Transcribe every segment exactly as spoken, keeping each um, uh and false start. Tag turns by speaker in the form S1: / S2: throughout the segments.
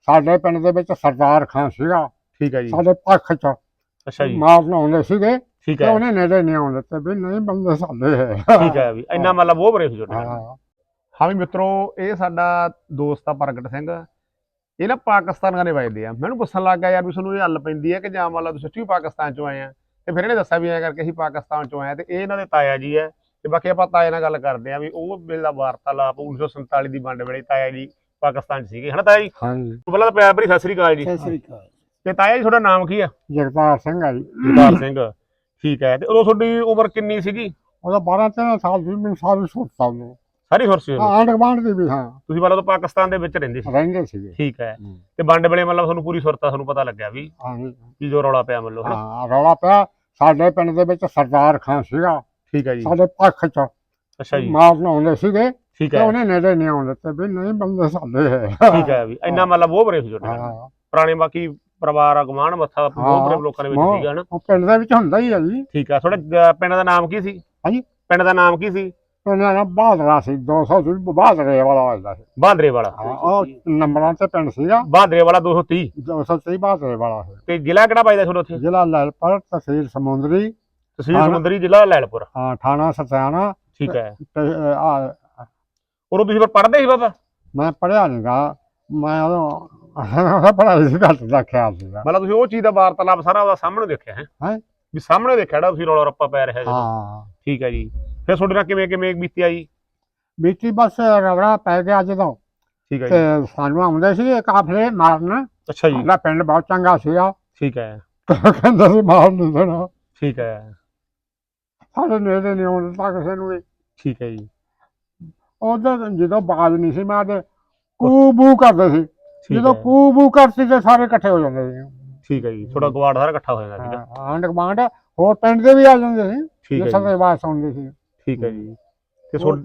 S1: ਸਾਡੇ ਪਿੰਡ ਦੇ ਵਿੱਚ ਸਰਦਾਰ ਖਾਂ ਸੀਗਾ।
S2: ਠੀਕ ਹੈ ਜੀ।
S1: ਸਾਡੇ ਪੱਖ ਚ
S2: ਅੱਛਾ ਜੀ।
S1: ਮਾਰਨ ਆਉਂਦੇ ਸੀਗੇ
S2: ਠੀਕ
S1: ਤੇ
S2: ਹੈ।
S1: ਉਹਨੇ ਨੇੜੇ ਨਹੀਂ ਆਉਣ ਦਿੱਤੇ ਵੀ ਨਹੀਂ ਬੰਦੇ ਸਾਡੇ ਹੈ।
S2: ਠੀਕ ਹੈ ਵੀ ਇੰਨਾ ਮਤਲਬ ਉਹ ਬਰੇ ਸੀ ਤੁਹਾਡੇ ਨਾਲ।
S1: ਹਾਂ
S2: ਹਾਂ ਵੀ ਮਿੱਤਰੋ, ਇਹ ਸਾਡਾ ਦੋਸਤ ਆ ਪ੍ਰਗਟ ਸਿੰਘ। ਇਹ ਨਾ ਪਾਕਿਸਤਾਨ ਦੇ ਵੱਜਦੇ ਆ। ਮੈਨੂੰ ਪੁੱਛਣ ਲੱਗ ਗਿਆ ਯਾਰ ਵੀ ਤੁਹਾਨੂੰ ਇਹ ਹੱਲ ਪੈਂਦੀ ਹੈ ਕਿ ਜਾਂ ਮੰਨ ਲਾ ਤੁਸੀਂ ਸੱਚੀ ਪਾਕਿਸਤਾਨ ਚੋਂ ਆਏ ਆ। ਤੇ ਫਿਰ ਇਹਨੇ ਦੱਸਿਆ ਵੀ ਐਂ ਕਰਕੇ ਅਸੀਂ ਪਾਕਿਸਤਾਨ ਚੋਂ ਆਏ ਤੇ ਇਹ ਇਹਨਾਂ ਦੇ ਤਾਇਆ ਜੀ ਹੈ। ਤੇ ਬਾਕੀ ਆਪਾਂ ਤਾਏ ਨਾਲ ਗੱਲ ਕਰਦੇ ਆ ਵੀ ਉਹ ਵੇਲੇ ਦਾ ਵਾਰਤਾਲਾਪ ਉੱਨੀ ਸੌ ਸੰਤਾਲੀ ਦੀ ਵੰਡ ਵੇਲੇ ਤਾਇਆ ਜੀ ਪਾਕਿਸਤਾਨ 'ਚ ਸੀਗੇ, ਹਨਾ ਤਾਇਆ ਜੀ?
S1: ਹਾਂਜੀ।
S2: ਪਹਿਲਾਂ ਤਾਂ ਪਿਆਰ ਭਰੀ ਸਤਿ ਸ੍ਰੀ ਅਕਾਲ ਜੀ।
S1: ਸਤਿ ਸ੍ਰੀ ਅਕਾਲ।
S2: ਤੇ ਤਾਇਆ ਜੀ ਤੁਹਾਡਾ ਨਾਮ ਕੀ ਆ?
S1: ਜਗਤਾਰ ਸਿੰਘ ਆ ਜੀ।
S2: ਜਗਤਾਰ ਸਿੰਘ। ਠੀਕ ਹੈ। ਤੇ ਉਦੋਂ ਤੁਹਾਡੀ ਉਮਰ ਕਿੰਨੀ ਸੀਗੀ?
S1: ਉਹਦਾ ਬਾਰਾਂ ਤੇਰਾਂ ਸਾਲ ਸੀ। ਮੈਨੂੰ ਸਾਰੀ ਸੁਰਤਾ ਉਹਨੂੰ
S2: ਸਾਰੀ ਸੁਰ ਸੀ?
S1: ਆਂਢ ਗੁਆਂਢ ਦੀ ਵੀ। ਹਾਂ
S2: ਤੁਸੀਂ ਪਹਿਲਾਂ ਤਾਂ ਪਾਕਿਸਤਾਨ ਦੇ ਵਿੱਚ ਰਹਿੰਦੇ ਸੀ?
S1: ਰਹਿੰਦੇ ਸੀਗੇ।
S2: ਠੀਕ ਹੈ। ਤੇ ਵੰਡ ਵੇਲੇ ਮਤਲਬ ਤੁਹਾਨੂੰ ਪੂਰੀ ਸੁਰਤਾ ਤੁਹਾਨੂੰ ਪਤਾ ਲੱਗਿਆ ਵੀ
S1: ਹਾਂਜੀ
S2: ਕੀ ਜੋ ਰੌਲਾ ਪਿਆ ਮਤਲਬ, ਹਨਾ?
S1: ਹਾਂ ਰੌਲਾ ਪਿਆ। ਸਾਡੇ ਪਿੰਡ ਦੇ ਵਿੱਚ ਸਰਦਾਰ ਖਾਂ ਸੀਗਾ।
S2: ਠੀਕ ਹੈ ਜੀ।
S1: ਸਾਡੇ ਪੱਖ ਚ
S2: ਅੱਛਾ ਜੀ।
S1: ਮਾਰਨ ਆਉਂਦੇ ਸੀਗੇ
S2: ਠੀਕ
S1: ਤੇ
S2: ਹੈ।
S1: ਉਹਨੇ ਨੇੜੇ ਨਹੀਂ ਆਉਣ ਦਿੱਤੇ ਵੀ ਨਹੀਂ ਬੰਦੇ ਸਾਡੇ ਹੈ।
S2: ਠੀਕ ਹੈ ਵੀ ਇੰਨਾ ਮਤਲਬ ਉਹ ਬਰੇ ਸੀ ਤੁਹਾਡੇ ਨਾਲ।
S1: ਹਾਂ
S2: ਪੁਰਾਣੇ ਬਾਕੀ ਪਰਿਵਾਰ ਅਗਮਾਨ ਮੱਥਾ ਬਹੁਤ ਬਰੇ ਲੋਕਾਂ ਦੇ ਵਿੱਚ
S1: ਹਾਂ,
S2: ਸੀਗਾ, ਹਨਾ?
S1: ਉਹ ਪਿੰਡ ਦੇ ਵਿੱਚ ਹੁੰਦਾ ਹੀ ਹੈ ਜੀ।
S2: ਠੀਕ ਹੈ। ਤੁਹਾਡੇ ਪਿੰਡ ਦਾ ਨਾਮ ਕੀ ਸੀ?
S1: ਹਾਂਜੀ?
S2: ਪਿੰਡ ਦਾ ਨਾਮ ਕੀ ਸੀ?
S1: ਉਹਨਾਂ ਦਾ ਬਹਾਦਰਾ ਸੀ। ਦੋ ਸੌ ਸੀ ਬਹਾਦਰੇ ਵਾਲਾ ਵੱਜਦਾ ਸੀ।
S2: ਬਹਾਦਰੇ ਵਾਲਾ।
S1: ਹਾਂ ਉਹ ਨੰਬਰਾਂ ਤੇ ਪਿੰਡ ਸੀਗਾ।
S2: ਬਹਾਦਰੇ ਵਾਲਾ ਦੋ ਸੌ ਤੀਹ।
S1: ਦੋ ਸੌ ਤੀਹ ਬਹਾਦਰੇ ਵਾਲਾ ਸੀ।
S2: ਤੇ ਜ਼ਿਲ੍ਹਾ ਕਿਹੜਾ ਵੱਜਦਾ ਤੁਹਾਡਾ ਉੱਥੇ?
S1: ਜ਼ਿਲ੍ਹਾ ਲੈਲਪੁਰ, ਤਹਿਸੀਲ ਸਮੁੰਦਰੀ,
S2: ਤਹਿਸੀਲ ਸਮੁੰਦਰੀ, ਜ਼ਿਲ੍ਹਾ ਲੈਲਪੁਰ।
S1: ਹਾਂ ਥਾਣਾ ਸਤਿਆਣਾ।
S2: ਠੀਕ ਹੈ।
S1: ਤੇ ਆ
S2: ਉਦੋਂ ਤੁਸੀਂ ਫਿਰ ਪੜ੍ਹਦੇ ਸੀ ਬਾਬਾ?
S1: ਮੈਂ ਪੜ੍ਹਿਆ ਨੀ ਗਾ। ਮੈਂ ਉਦੋਂ ਪੜ੍ਹਾਈ ਸੀ ਘੱਟ ਦਾ ਖਿਆਲ ਸੀਗਾ।
S2: ਮਤਲਬ ਤੁਸੀਂ ਉਹ ਚੀਜ਼ ਦਾ ਵਾਰਤਾਲਾਪ ਸਾਰਾ ਉਹਦਾ ਸਾਹਮਣੇ ਦੇਖਿਆ ਹੈ?
S1: ਹੈਂ?
S2: ਵੀ ਸਾਹਮਣੇ ਦੇਖਿਆ ਜਿਹੜਾ ਤੁਸੀਂ ਰੌਲਾ ਰੱਪਾ ਪੈ ਰਿਹਾ ਜਦੋਂ?
S1: ਹਾਂ
S2: ਠੀਕ ਹੈ ਜੀ। ਫਿਰ ਤੁਹਾਡੇ ਨਾਲ ਕਿਵੇਂ ਕਿਵੇਂ ਬੀਤਿਆ ਜੀ?
S1: ਬੀਤੀ ਬਸ ਰਗੜਾ ਪੈ ਗਿਆ ਜਦੋਂ।
S2: ਠੀਕ ਹੈ ਜੀ।
S1: ਤੇ ਸਾਨੂੰ ਆਉਂਦੇ ਸੀ ਕਾਫਲੇ ਮਾਰਨ।
S2: ਅੱਛਾ ਜੀ।
S1: ਸਾਡਾ ਪਿੰਡ ਬਹੁਤ ਚੰਗਾ ਸੀਗਾ।
S2: ਠੀਕ ਹੈ।
S1: ਕਹਿੰਦਾ ਸੀ ਮਾਰ ਨਹੀਂ ਦੇਣਾ।
S2: ਠੀਕ ਹੈ।
S1: ਸਾਡੇ ਨੇੜੇ ਨਹੀਂ ਆਉਣ ਦਿੱਤਾ ਕਿਸੇ ਨੂੰ ਵੀ।
S2: ਠੀਕ ਹੈ ਜੀ।
S1: ਉਧਰ ਜਦੋਂ ਬਾਜ਼ ਨਹੀਂ ਸੀ ਮਾਰਦੇ ਕੂ ਬੂ ਕਰਦੇ ਸੀ।
S2: ਠੀਕ
S1: ਜਦੋਂ
S2: ਹੈ।
S1: ਕੂ ਬੂ ਕਰਦੀ ਤੇ ਸਾਰੇ ਇਕੱਠੇ ਹੋ ਜਾਂਦੇ ਸੀ।
S2: ਠੀਕ ਹੈ ਜੀ। ਤੁਹਾਡਾ ਗਵਾੜ ਸਾਰਾ ਇਕੱਠਾ ਹੋ ਜਾਂਦਾ ਸੀਗਾ?
S1: ਆਂਢ ਗੁਆਂਢ ਹੋਰ ਪਿੰਡ ਦੇ ਵੀ ਆ ਜਾਂਦੇ ਸੀ।
S2: ਠੀਕ ਹੈ
S1: ਜਿਸ
S2: ਜੀ।
S1: ਦੀ ਆਵਾਜ਼ ਸੁਣਦੇ ਸੀ।
S2: ਠੀਕ ਹੈ ਜੀ। ਤੇ ਤੁਹਾਡੇ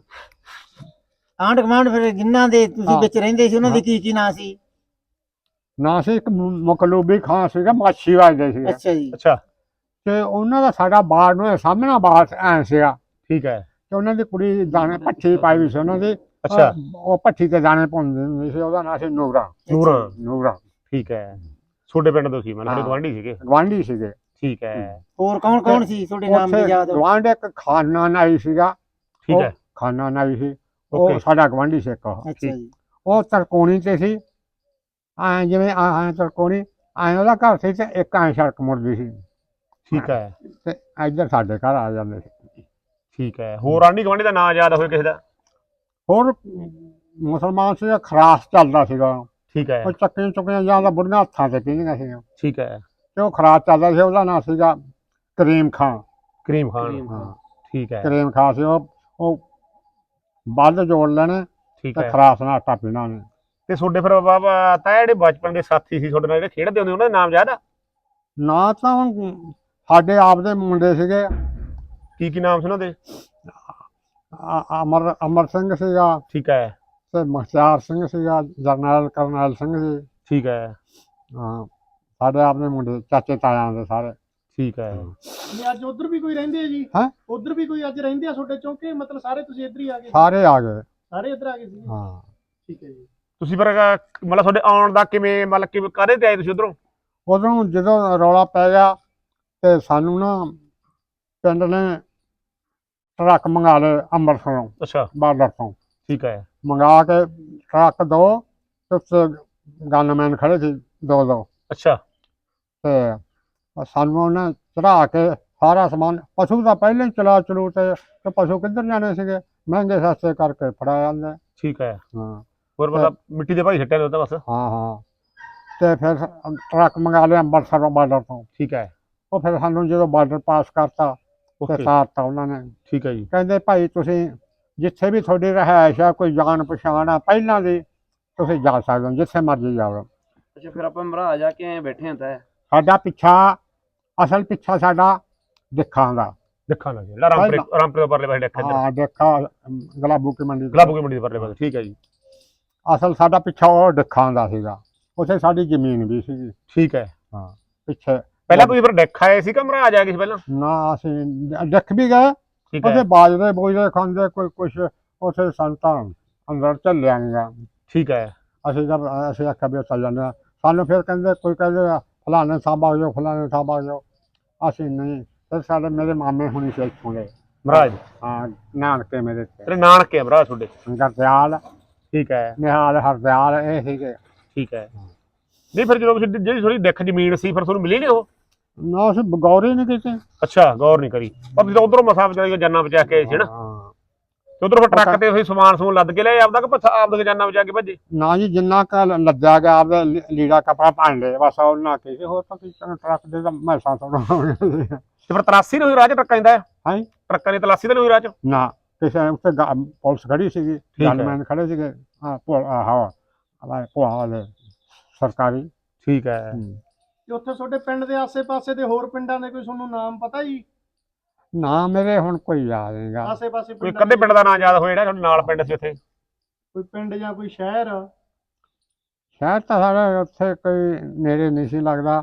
S3: ਆਂਢ ਗੁਆਂਢ ਫਿਰ ਜਿਨ੍ਹਾਂ ਦੇ ਤੁਸੀਂ
S1: ਹਾਂ।
S3: ਵਿੱਚ ਰਹਿੰਦੇ ਸੀ ਉਹਨਾਂ ਦੇ ਕੀ ਕੀ ਨਾਂ ਸੀ?
S1: ਨਾ ਸੀ ਇੱਕ ਮਕਲੂਬੀ ਖਾਂ ਸੀਗਾ, ਮਾਛੀ ਵੱਜਦੇ ਸੀ।
S3: ਅੱਛਾ ਜੀ।
S2: ਅੱਛਾ।
S1: ਤੇ ਉਹਨਾਂ ਦਾ ਸਾਡਾ ਬਾੜ ਨੂੰ ਸਾਹਮਣਾ ਬਾੜ ਐ ਸੀਗਾ।
S2: ਠੀਕ ਹੈ।
S1: ਤੇ ਉਹਨਾਂ ਦੀ ਕੁੜੀ ਦਾਣੇ ਭੱਠੀ ਪਾਈ ਵੀ ਸੀ ਉਹਨਾਂ ਦੀ।
S2: ਅੱਛਾ।
S1: ਉਹ ਭੱਠੀ ਤੇ ਦਾਣੇ ਪਾਉਂਦੀ ਹੁੰਦੀ ਸੀ। ਉਹਦਾ ਨਾਂ ਸੀ ਨੂਰਾ।
S2: ਨੂਰਾਂ।
S1: ਨੂਰਾ
S2: ਠੀਕ ਹੈ। ਤੁਹਾਡੇ ਪਿੰਡ ਤੋਂ ਸੀ ਮਤਲਬ ਸਾਡੇ
S1: ਹਾਂ।
S2: ਗਵਾਂਢੀ ਸੀਗੇ?
S1: ਗਵਾਂਢੀ ਸੀਗੇ।
S2: ਠੀਕ ਹੈ।
S3: ਹੋਰ ਕੌਣ ਕੌਣ ਸੀ ਤੁਹਾਡੇ ਨਾਮ ਦੇ ਯਾਦ?
S1: ਗਵਾਂਢ ਇੱਕ ਖਾਨਾ ਨਾਈ ਸੀਗਾ।
S2: ਠੀਕ ਹੈ।
S1: ਖਾਨਾ ਨਾਈ ਸੀ।
S2: ਓਕੇ।
S1: ਉਹ ਸਾਡਾ ਗਵਾਂਢੀ ਸੀ ਇੱਕ।
S3: ਅੱਛਾ ਜੀ।
S1: ਉਹ ਤਰਕੋਣੀ ਤੇ ਸੀ। ਐ ਜਿਵੇਂ ਐ ਤਰਕੋਣੀ ਐ ਉਹਦਾ ਘਰ ਸੀ ਤੇ ਇੱਕ ਐ ਸੜਕ ਮੁੜਦੀ ਸੀ।
S2: ਠੀਕ ਹੈ।
S1: ਤੇ ਇੱਧਰ ਸਾਡੇ ਘਰ ਆ ਜਾਂਦੇ ਸੀ।
S2: ਠੀਕ ਹੈ। ਹੋਰ ਆਂਢੀ ਗੁਆਂਢੀ ਦਾ ਨਾਂ ਯਾਦ ਹੋਵੇ ਕਿਸੇ ਦਾ?
S1: ਹੋਰ ਮੁਸਲਮਾਨ ਸੀ, ਖਰਾਸ ਚੱਲਦਾ ਸੀਗਾ।
S2: ਠੀਕ ਹੈ।
S1: ਉਹ ਚੱਕੀਆਂ ਚੁੱਕੀਆਂ ਜਾਂਦਾ ਬੁੜੀਆਂ ਹੱਥਾਂ ਤੇ ਪੀਂਦੀਆਂ ਸੀਗੀਆਂ।
S2: ਠੀਕ ਹੈ।
S1: ਤੇ ਉਹ ਖਰਾਸ ਚੱਲਦਾ ਸੀ। ਉਹਦਾ ਨਾਂ ਸੀਗਾ ਕਰੀਮ ਖਾਂ।
S2: ਕਰੀਮ ਖਾਨ।
S1: ਹਾਂ
S2: ਠੀਕ ਹੈ।
S1: ਕਰੀਮ ਖਾਂ ਸੀ। ਉਹ ਉਹ ਬੱਲ ਜੋੜ ਲੈਣੇ
S2: ਠੀਕ
S1: ਤੇ
S2: ਹੈ।
S1: ਖਰਾਸ ਨਾਲ ਆਟਾ ਪੀਣਾ ਉਹਨੇ।
S2: ਤੇ ਤੁਹਾਡੇ ਫਿਰ ਬਾਬਾ ਤਾਂ ਜਿਹੜੇ ਬਚਪਨ ਦੇ ਸਾਥੀ ਸੀ ਤੁਹਾਡੇ ਨਾਲ ਜਿਹੜੇ ਖੇਡਦੇ ਹੁੰਦੇ ਉਹਨਾਂ ਦੇ ਨਾਮ ਯਾਦ ਆ?
S1: ਨਾ ਤਾਂ ਹੁਣ ਸਾਡੇ ਆਪ ਦੇ ਮੁੰਡੇ ਸੀਗੇ।
S2: ਕੀ ਕੀ ਨਾਮ ਸੀ ਉਹਨਾਂ ਦੇ?
S1: ਅ- ਅਮਰ ਅਮਰ ਸਿੰਘ ਸੀਗਾ
S2: ਠੀਕ ਹੈ।
S1: ਤੇ ਮੁਖਤਿਆਰ ਸਿੰਘ ਸੀਗਾ। ਜਰਨੈਲ ਕਰਨੈਲ ਸਿੰਘ ਸੀ।
S2: ਠੀਕ ਹੈ।
S1: ਹਾਂ ਸਾਡੇ ਆਪ ਦੇ ਮੁੰਡੇ ਚਾਚੇ ਤਾਇਆਂ ਦੇ ਸਾਰੇ।
S2: ਠੀਕ ਹੈ।
S4: ਨਹੀਂ ਅੱਜ ਉਧਰ ਵੀ ਕੋਈ ਰਹਿੰਦੇ ਆ ਜੀ?
S1: ਹੈਂ?
S4: ਉਧਰ ਵੀ ਕੋਈ ਅੱਜ ਰਹਿੰਦੇ ਆ ਤੁਹਾਡੇ ਚੋਂ ਕਿ ਮਤਲਬ ਸਾਰੇ ਤੁਸੀਂ ਇੱਧਰ ਹੀ ਆ ਗਏ?
S1: ਸਾਰੇ ਆ ਗਏ।
S4: ਸਾਰੇ ਇੱਧਰ ਆ ਗਏ ਸੀ?
S1: ਹਾਂ
S4: ਠੀਕ ਹੈ ਜੀ।
S2: ਤੁਸੀਂ ਫਿਰ ਮਤਲਬ ਤੁਹਾਡੇ ਆਉਣ ਦਾ ਕਿਵੇਂ ਮਤਲਬ ਕਿਵੇਂ ਕਾਹਦੇ ਤੇ ਆਏ ਤੁਸੀਂ ਉਧਰੋਂ?
S1: ਉਦੋਂ ਜਦੋਂ ਰੌਲਾ ਪੈ ਗਿਆ ਤੇ ਸਾਨੂੰ ਨਾ ਪਿੰਡ ਨੇ ਟਰੱਕ ਮੰਗਾ ਲਏ ਅੰਮ੍ਰਿਤਸਰੋਂ,
S2: ਅੱਛਾ।
S1: ਬਾਰਡਰ ਤੋਂ
S2: ਠੀਕ ਹੈ।
S1: ਮੰਗਾ ਕੇ ਟਰੱਕ ਦੋ ਤੇ ਉੱਤੇ ਗਨਮੈਨ ਖੜੇ ਸੀ ਦੋ ਦੋ।
S2: ਅੱਛਾ।
S1: ਤੇ ਸਾਨੂੰ ਉਹਨੇ ਚੜਾ ਕੇ ਸਾਰਾ ਸਮਾਨ, ਪਸ਼ੂ ਤਾਂ ਪਹਿਲਾਂ ਹੀ ਚਲਾ ਚਲੂ ਤੇ ਤੇ ਪਸ਼ੂ ਕਿੱਧਰ ਜਾਣੇ ਸੀਗੇ, ਮਹਿੰਗੇ ਸਸਤੇ ਕਰਕੇ ਫੜਾ ਜਾਂਦੇ।
S2: ਠੀਕ ਹੈ।
S1: ਹਾਂ
S2: ਹੋਰ ਮਤਲਬ ਮਿੱਟੀ ਦੇ ਭਾਈ ਛੱਟਿਆ ਉਹਦਾ ਬਸ?
S1: ਹਾਂ ਹਾਂ ਤੇ ਫਿਰ ਟਰੱਕ ਮੰਗਾ ਲਿਆ ਅੰਮ੍ਰਿਤਸਰੋਂ ਬਾਰਡਰ ਤੋਂ।
S2: ਠੀਕ ਹੈ।
S1: ਉਹ ਫਿਰ ਸਾਨੂੰ ਜਦੋਂ ਬਾਰਡਰ ਪਾਸ ਕਰਤਾ ਤੇ
S2: ਓਕੇ।
S1: ਸਾਰਤਾ ਉਹਨਾਂ ਨੇ।
S2: ਠੀਕ ਹੈ ਜੀ।
S1: ਕਹਿੰਦੇ ਭਾਈ ਤੁਸੀਂ ਜਿੱਥੇ ਵੀ ਤੁਹਾਡੀ ਰਿਹਾਇਸ਼ ਆ, ਕੋਈ ਜਾਣ ਪਛਾਣ ਆ ਪਹਿਲਾਂ ਦੀ, ਤੁਸੀਂ ਜਾ ਸਕਦੇ ਹੋ ਜਿੱਥੇ ਮਰਜ਼ੀ ਜਾਓ।
S5: ਅੱਛਾ ਫਿਰ ਆਪਾਂ ਮਹਾਰਾਜ ਆ ਕੇ ਬੈਠੇ ਹਾਂ ਤਾਂ
S1: ਸਾਡਾ ਪਿੱਛਾ, ਅਸਲ ਪਿੱਛਾ ਸਾਡਾ ਦਿੱਖਾਂ ਦਾ।
S2: ਦੇਖਾਂ ਲੱਗੇ ਜਿਹੜਾ ਰਾਮਪੁਰੇ ਰਾਮਪੁਰੇ ਦੇ ਪਰਲੇ ਪਾਸੇ ਦੇਖਿਆ ਇੱਧਰ
S1: ਹਾਂ ਦੇਖਾ ਗਲਾਬੂ ਕੀ ਮੰਡੀ।
S2: ਗਲਾਬੂ ਕੀ ਮੰਡੀ ਦੇ ਪਰਲੇ ਪਾਸੇ। ਠੀਕ ਹੈ ਜੀ।
S1: ਅਸਲ ਸਾਡਾ ਪਿੱਛਾ ਉਹ ਦਿੱਖਾਂ ਦਾ ਸੀਗਾ। ਉੱਥੇ ਸਾਡੀ ਜ਼ਮੀਨ ਵੀ ਸੀਗੀ।
S2: ਠੀਕ ਹੈ।
S1: ਹਾਂ ਪਿੱਛੇ
S2: ਪਹਿਲਾਂ ਤੁਸੀਂ ਫਿਰ ਡੈਕ ਆਏ ਸੀ ਕਿ ਮਹਾਰਾਜ ਆ ਗਏ ਸੀ ਪਹਿਲਾਂ?
S1: ਨਾ ਅਸੀਂ ਦੇਖ ਵੀ ਗਏ।
S2: ਠੀਕ
S1: ਉੱਥੇ
S2: ਹੈ।
S1: ਬਾਜਰੇ ਬੋਜਰੇ ਖਾਂਦੇ ਕੋਈ ਕੁਛ ਉੱਥੇ ਸੰਤਾਂ ਅੰਦਰ ਝੱਲਿਆ ਨੀਗਾ।
S2: ਠੀਕ ਹੈ।
S1: ਅਸੀਂ ਜਦ ਅਸੀਂ ਆਖਿਆ ਵੀ ਚੱਲ ਜਾਂਦੇ ਹਾਂ, ਸਾਨੂੰ ਫਿਰ ਕਹਿੰਦੇ ਕੋਈ ਕਹਿੰਦੇ ਫਲਾਣੇ ਸਾਹਿਬ ਆ ਜਾਓ, ਫਲਾਣੇ ਸਾਹਿਬ ਆ ਜਾਓ, ਅਸੀਂ ਨਹੀਂ। ਫਿਰ ਸਾਡੇ ਮੇਰੇ ਮਾਮੇ ਹੁਣੀ ਸੀ ਇੱਥੋਂ ਦੇ,
S2: ਮਹਾਰਾਜ
S1: ਹਾਂ ਨਾਨਕੇ ਮੇਰੇ ਤੇ
S2: ਤੇਰੇ ਨਾਨਕੇ ਆ ਭਰਾ ਤੁਹਾਡੇ।
S1: ਗਰਦਿਆਲ,
S2: ਠੀਕ ਹੈ
S1: ਨਿਹਾਲ, ਹਰਦਿਆਲ ਇਹ ਸੀਗੇ।
S2: ਠੀਕ ਹੈ। ਨਹੀਂ ਫਿਰ ਜਦੋਂ ਤੁਸੀਂ ਜਿਹੜੀ ਥੋੜੀ ਦਿੱਖ ਜ਼ਮੀਨ ਸੀ ਫਿਰ ਤੁਹਾਨੂੰ ਮਿਲੀ ਨਹੀਂ ਉਹ?
S1: ਨਾ ਅਸੀਂ ਗੌਰ ਹੀ ਨਹੀਂ ਕੀਤੀ।
S2: ਅੱਛਾ, ਗੌਰ ਨਹੀਂ ਕਰੀ। ਪਰ ਜਦੋਂ ਉਧਰੋਂ ਮਸਾ ਵਿਚਾਰੀ ਜਾਨਾਂ ਬਚਾ ਕੇ ਆਏ ਸੀ ਨਾ,
S1: ਹਾਂ।
S2: ਤੇ ਉਧਰੋਂ ਫਿਰ ਟਰੱਕ ਤੇ ਤੁਸੀਂ ਸਮਾਨ ਸਮੂਨ ਲੱਦ ਕੇ ਲਿਆਏ ਆਪਦਾ ਕਿ ਪੱਛਾ ਆਪਦੇ ਜਾਨਾਂ ਬਚਾ ਕੇ ਭੱਜੇ?
S1: ਨਾ ਜੀ ਜਿੰਨਾ ਕ ਲੱਦਿਆ ਗਿਆ ਆਪਦਾ ਲੀ- ਲੀੜਾ ਕਪੜਾ ਭਾਂਡੇ ਬਸ ਉਹਨਾਂ ਕੀ ਸੀ, ਹੋਰ ਤਾਂ ਕੀ ਟਰੱਕ ਦੇ ਤਾਂ ਮੈਸਾਂ ਥੋੜਾ
S2: ਤੇ ਫਿਰ ਤਲਾਸੀ ਨਹੀਂ ਹੋਈ ਰਾਹ ਚ ਟਰੱਕਾਂ ਦਾ?
S1: ਹਾਂ
S2: ਟਰੱਕਾਂ ਦੀ ਤਲਾਸੀ ਤਾਂ ਨਹੀਂ ਹੋਈ ਰਾਹ ਚ?
S1: ਨਾ ਕਿਸੇ ਉੱਤੇ ਗਾ- ਪੁਲਿਸ ਖੜੀ ਸੀਗੀ,
S2: ਹੈ।
S1: ਗਨਮੈਨ ਖੜੇ ਸੀਗੇ, ਹਾਂ ਪੁਲ ਹਾਂ ਭੋਆ ਵਾਲੇ ਸਰਕਾਰੀ।
S2: ਠੀਕ ਹੈ।
S1: ਹੂੰ।
S4: ਤੇ ਉੱਥੇ ਤੁਹਾਡੇ ਪਿੰਡ ਦੇ ਆਸੇ-ਪਾਸੇ ਦੇ ਹੋਰ ਪਿੰਡਾਂ ਦੇ ਕੋਈ ਤੁਹਾਨੂੰ ਨਾਮ ਪਤਾ ਜੀ?
S1: ਨਾ ਮੇਰੇ ਹੁਣ ਕੋਈ ਯਾਦ ਨਹੀਂਗਾ।
S4: ਆਸੇ-ਪਾਸੇ
S2: ਕੋਈ
S4: ਪਿੰਡਾਂ
S2: ਕਦੇ
S4: ਦੇ
S2: ਪਿੰਡ ਦਾ ਨਾਂ ਯਾਦ ਹੋਇਆ ਜਿਹੜਾ ਤੁਹਾਡੇ ਨਾਲ ਪਿੰਡ ਸੀ ਉੱਥੇ?
S4: ਕੋਈ ਪਿੰਡ ਜਾਂ ਕੋਈ ਸ਼ਹਿਰ?
S1: ਸ਼ਾਇਦ ਤਾਂ ਸਾਡੇ ਉੱਥੇ ਕੋਈ ਨੇੜੇ ਨਹੀਂ ਸੀ ਲੱਗਦਾ।